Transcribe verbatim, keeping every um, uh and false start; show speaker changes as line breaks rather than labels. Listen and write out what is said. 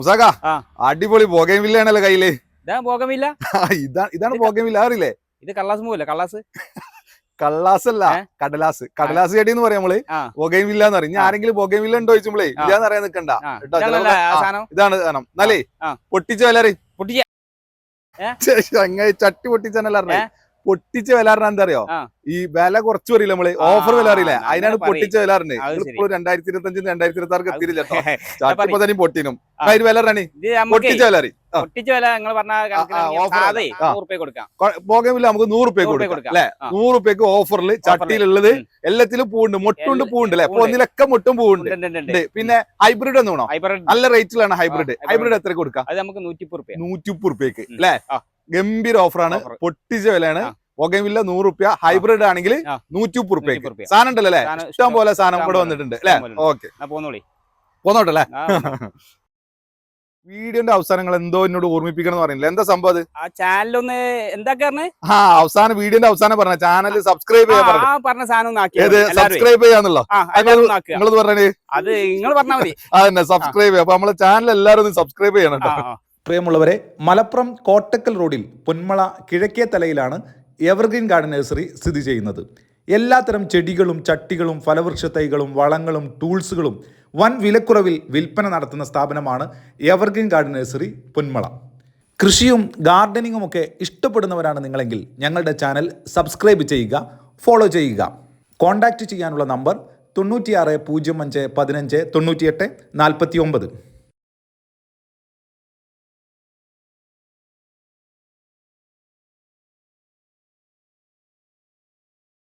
മുസാക അടിപൊളി ബോഗൻവില്ലയാണല്ലോ കയ്യില്.
ബോഗൻവില്ല
ഇതാണ് ഇതാണ് ബോഗൻവില്ല, അറിയില്ലേ?
ഇത് കള്ളാസ് മൂവല്ലേ? കള്ളാസ്
കള്ളാസ് അല്ല, കടലാസ്. കടലാസ് ചെടി എന്ന് പറയാം നമ്മള്. ബോഗൻവില്ല എന്ന് പറയും. ആരെങ്കിലും ബോഗൻവില്ല ഉണ്ടോ ചോദിച്ചുമ്പളേ ഇല്ലാന്ന് അറിയാൻ നിൽക്കണ്ട. ഇതാണ് സാധനം. എന്നാലേ പൊട്ടിച്ച വില
പൊട്ടിച്ച
ചട്ടി പൊട്ടിച്ചല്ല പൊട്ടിച്ച വില പറഞ്ഞാൽ എന്താ അറിയോ? ഈ വില കുറച്ച് പറയില്ല നമ്മള്, ഓഫർ വില അറിയില്ലേ? അതിനാണ് പൊട്ടിച്ച വില പറഞ്ഞത്. ഇപ്പോൾ രണ്ടായിരത്തി ഇരുപത്തി അഞ്ചിന് രണ്ടായിരത്തി ഇരുപത്തി ആർക്ക് എത്തിയില്ല കേട്ടോ. ചട്ടിപ്പോ തന്നെ പൊട്ടിനും അതിന് വില പറഞ്ഞേ പൊട്ടിച്ച വില അറിയും. ബോഗൻവില്ല നമുക്ക് നൂറ് റുപ്യ കൊടുക്കാം അല്ലെ? നൂറ് റുപ്യക്ക് ഓഫറിൽ ചട്ടിയിലുള്ളത് എല്ലാത്തിലും പൂവുണ്ട്, മൊട്ടുണ്ട് പൂവുണ്ട് അല്ലെ? അപ്പൊ ഒന്നിലൊക്കെ മൊട്ടും പൂവുണ്ട്. പിന്നെ ഹൈബ്രിഡ് എന്ന് വേണോ? നല്ല റേറ്റിലാണ് ഹൈബ്രിഡ്. ഹൈബ്രിഡ് എത്ര കൊടുക്കാം? നൂറ്റി മുപ്പത് റുപ്യക്ക് അല്ലെ? ഗംഭീര ഓഫറാണ്, പൊട്ടിച്ച വിലയാണ്. ബോഗൻവില്ല നൂറ് റുപ്യ, ഹൈബ്രിഡ് ആണെങ്കിൽ നൂറ്റി മുപ്പത് റുപ്യക്ക് സാധനം ഉണ്ടല്ലോ അല്ലെ? ഇഷ്ടം പോലെ സാധനം ഇവിടെ വന്നിട്ടുണ്ട് അല്ലെ? ഓക്കെ പോന്നോട്ടല്ലേ. വീഡിയോന്റെ അവസാനങ്ങൾ എന്തോ എന്നോട് ഓർമ്മിപ്പിക്കണം എന്ന് പറയുന്നില്ല, എന്താ സംഭവം?
ആ ചാനലൊന്ന് എന്താ
ആ അവസാനം വീഡിയോന്റെ അവസാനം പറഞ്ഞ ചാനൽ സബ്സ്ക്രൈബ് ചെയ്യാൻ
പറഞ്ഞ സാധനം
സബ്സ്ക്രൈബ് ചെയ്യാന്നുള്ളോ നിങ്ങളത് പറഞ്ഞേ?
അത് നിങ്ങൾ പറഞ്ഞാൽ മതി.
അതന്നെ സബ്സ്ക്രൈബ് ചെയ്യാം. അപ്പൊ നമ്മളെ ചാനൽ എല്ലാവരും ഒന്ന് സബ്സ്ക്രൈബ് ചെയ്യണം കേട്ടോ.
പ്രിയമുള്ളവരെ, മലപ്പുറം കോട്ടക്കൽ റോഡിൽ പൊന്മള കിഴക്കേ തലയിലാണ് എവർഗ്രീൻ ഗാർഡൻ നഴ്സറി സ്ഥിതി ചെയ്യുന്നത്. എല്ലാത്തരം ചെടികളും ചട്ടികളും ഫലവൃക്ഷ തൈകളും വളങ്ങളും ടൂൾസുകളും വൻ വിലക്കുറവിൽ വിൽപ്പന നടത്തുന്ന സ്ഥാപനമാണ് എവർഗ്രീൻ ഗാർഡൻ നഴ്സറി പൊന്മള. കൃഷിയും ഗാർഡനിങ്ങും ഒക്കെ ഇഷ്ടപ്പെടുന്നവരാണ് നിങ്ങളെങ്കിൽ ഞങ്ങളുടെ ചാനൽ സബ്സ്ക്രൈബ് ചെയ്യുക, ഫോളോ ചെയ്യുക. കോൺടാക്റ്റ് ചെയ്യാനുള്ള നമ്പർ തൊണ്ണൂറ്റിയാറ് പൂജ്യം അഞ്ച് പതിനഞ്ച് തൊണ്ണൂറ്റിയെട്ട് നാൽപ്പത്തി ഒമ്പത്.